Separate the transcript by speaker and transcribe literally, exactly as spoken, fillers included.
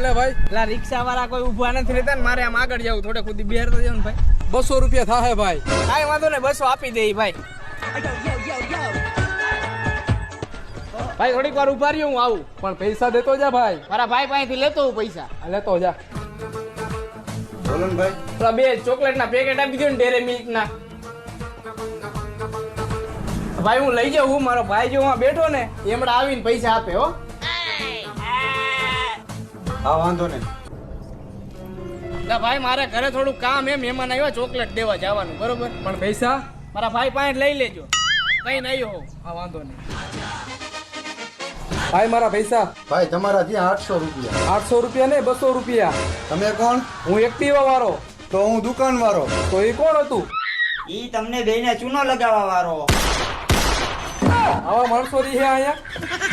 Speaker 1: લે ભાઈ.
Speaker 2: પેલા રિક્ષા વાળા કોઈ ઊભા નથી રહેતા ને મારે આમ આગળ જવું થોડે ખુદી બિહાર તો જાવ ને ભાઈ.
Speaker 1: બસો રૂપિયા થાય ભાઈ.
Speaker 2: કાંઈ વાંધો નહીં, બસો આપી દે ભાઈ. ભાઈ થોડીક વાર ઉભા રહ્યો, હું આવું.
Speaker 1: પણ પૈસા દેતો જા ભાઈ.
Speaker 2: મારા ભાઈ પાસેથી લેતો હું પૈસા.
Speaker 1: આ લેતો જા.
Speaker 3: બોલો ને ભાઈ.
Speaker 2: પેલા બે ચોકલેટ ના પેકેટ આપી દો ને ડેરે મિલ્ક ના. ભાઈ હું લઈ જાઉં. મારો ભાઈ જો હું બેઠો ને એમણે આવીને પૈસા આપે હો.
Speaker 3: હા વાંધો નહીં.
Speaker 2: ના ભાઈ મારે ઘરે થોડું કામ એમ મહેમાન આવ્યા ચોકલેટ દેવા જવાનું બરોબર.
Speaker 1: પણ પૈસા
Speaker 2: મારા ભાઈ પાસે લઈ લેજો. કઈ નહીં હો.
Speaker 1: હા વાંધો નહીં. ભાઈ મારા પૈસા.
Speaker 3: ભાઈ તમારા ત્યાં આઠસો રૂપિયા.
Speaker 1: આઠસો રૂપિયા ને બસો રૂપિયા.
Speaker 3: તમે કોણ?
Speaker 1: હું એક્ટિવા વાળો.
Speaker 3: તો હું દુકાન વાળો.
Speaker 1: તો એ કોણ હતું?
Speaker 4: ઈ તમને બેને ચૂનો લગાવવા વાળો.
Speaker 1: આવા માણસો રહી અહીંયા.